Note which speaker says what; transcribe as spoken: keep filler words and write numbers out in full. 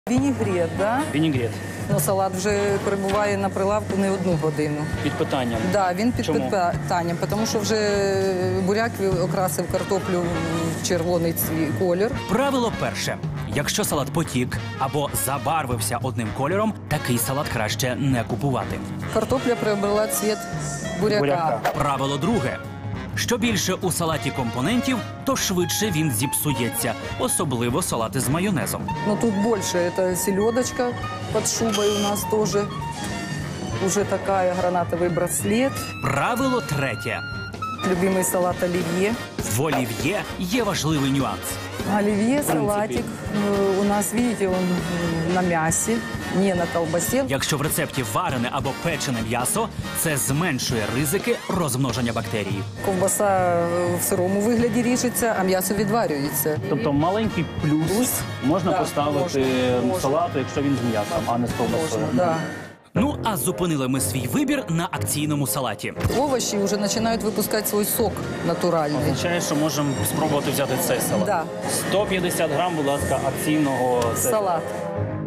Speaker 1: Вінігрет, да?
Speaker 2: Вінігрет.
Speaker 1: Ну, салат вже перебуває на прилавку не одну годину.
Speaker 2: Під питанням.
Speaker 1: Да, він під
Speaker 2: Чому?
Speaker 1: питанням, тому що вже буряк окрасив картоплю в червоний цві- колір.
Speaker 3: Правило перше. Якщо салат потік або забарвився одним кольором, такий салат краще не купувати.
Speaker 1: Картопля приобрела цвіт буряка.
Speaker 2: Буряка.
Speaker 3: Правило друге. Що більше у салаті компонентів, то швидше він зіпсується, особливо салати з майонезом.
Speaker 1: Но тут больше. Это селедочка под шубой у нас тоже. Уже такая гранатовый браслет.
Speaker 3: Правило третє.
Speaker 1: Любимый салат оливье.
Speaker 3: В олів'є є важливий нюанс.
Speaker 1: Оливье, салатик. э, У нас, видите, он м, на мясе, не на колбасе.
Speaker 3: Якщо в рецепті варене або печене м'ясо, це зменшує ризики розмноження бактерій.
Speaker 1: Ковбаса е, в сирому вигляді ріжеться, а м'ясо відварюється.
Speaker 2: Тобто маленький плюс,
Speaker 1: Плюс.
Speaker 2: можна
Speaker 1: Да,
Speaker 2: поставити
Speaker 1: можна, можна.
Speaker 2: салату, якщо він з м'ясом, а не з ковбасою.
Speaker 1: Можна, да.
Speaker 3: Ну, а зупинили ми свій вибір на акційному салаті.
Speaker 1: Овощи вже починають випускати свій сок натуральний.
Speaker 2: Означає, що можемо спробувати взяти цей салат.
Speaker 1: Да.
Speaker 2: сто п'ятдесят грам, будь ласка, акційного
Speaker 1: Салат.